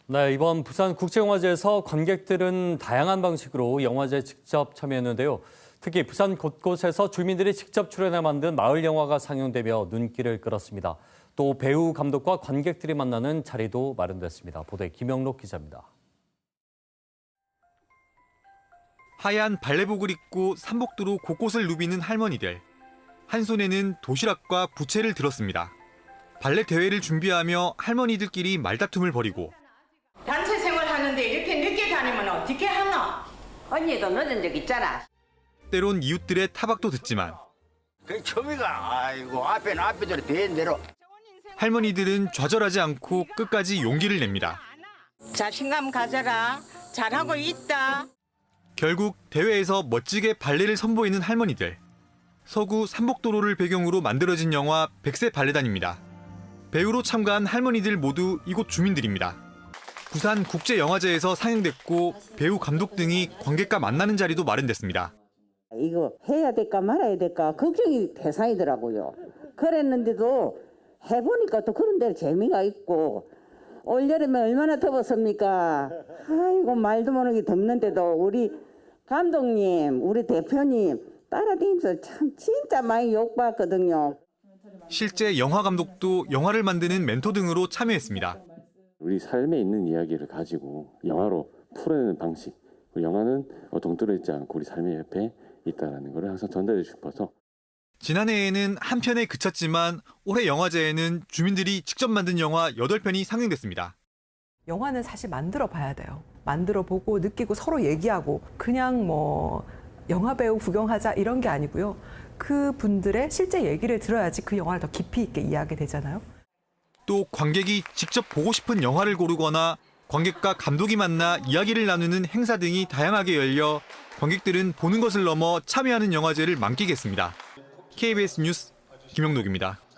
네, 이번 부산국제영화제에서 관객들은 다양한 방식으로 영화제에 직접 참여했는데요. 특히 부산 곳곳에서 주민들이 직접 출연해 만든 마을 영화가 상영되며 눈길을 끌었습니다. 또 배우, 감독과 관객들이 만나는 자리도 마련됐습니다. 보도에 김영록 기자입니다. 하얀 발레복을 입고 삼복도로 곳곳을 누비는 할머니들. 한 손에는 도시락과 부채를 들었습니다. 발레 대회를 준비하며 할머니들끼리 말다툼을 벌이고 단체 생활하는데 이렇게 늦게 다니면 어떻게 하나? 언니도 늦은 적 있잖아. 때론 이웃들의 타박도 듣지만 그 처미가 아이고 앞에대로 된 대로. 할머니들은 좌절하지 않고 끝까지 용기를 냅니다. 자신감 가져라. 잘하고 있다. 결국 대회에서 멋지게 발레를 선보이는 할머니들. 서구 삼복도로를 배경으로 만들어진 영화 백세 발레단입니다. 배우로 참가한 할머니들 모두 이곳 주민들입니다. 부산 국제영화제에서 상영됐고 배우, 감독 등이 관객과 만나는 자리도 마련됐습니다. 이거 해야 될까 말아야 될까 걱정이 대상이더라고요. 그랬는데도 해보니까 또 그런 데로 재미가 있고 올여름에 얼마나 더웠습니까? 아이고 말도 모르게 덥는데도 우리 감독님, 우리 대표님 따라다니면서 참 진짜 많이 욕받거든요. 실제 영화 감독도 영화를 만드는 멘토 등으로 참여했습니다. 우리 삶에 있는 이야기를 가지고 영화로 풀어내는 방식. 영화는 동떨어 있지 않고 우리 삶의 옆에 있다는 걸 항상 전달해 주고 싶어서. 지난해에는 한 편에 그쳤지만 올해 영화제에는 주민들이 직접 만든 영화 8편이 상영됐습니다. 영화는 사실 만들어 봐야 돼요. 만들어 보고 느끼고 서로 얘기하고 그냥 뭐 영화 배우 구경하자 이런 게 아니고요. 그 분들의 실제 얘기를 들어야지 그 영화를 더 깊이 있게 이해하게 되잖아요. 또 관객이 직접 보고 싶은 영화를 고르거나 관객과 감독이 만나 이야기를 나누는 행사 등이 다양하게 열려 관객들은 보는 것을 넘어 참여하는 영화제를 만끽했습니다. KBS 뉴스 김영록입니다.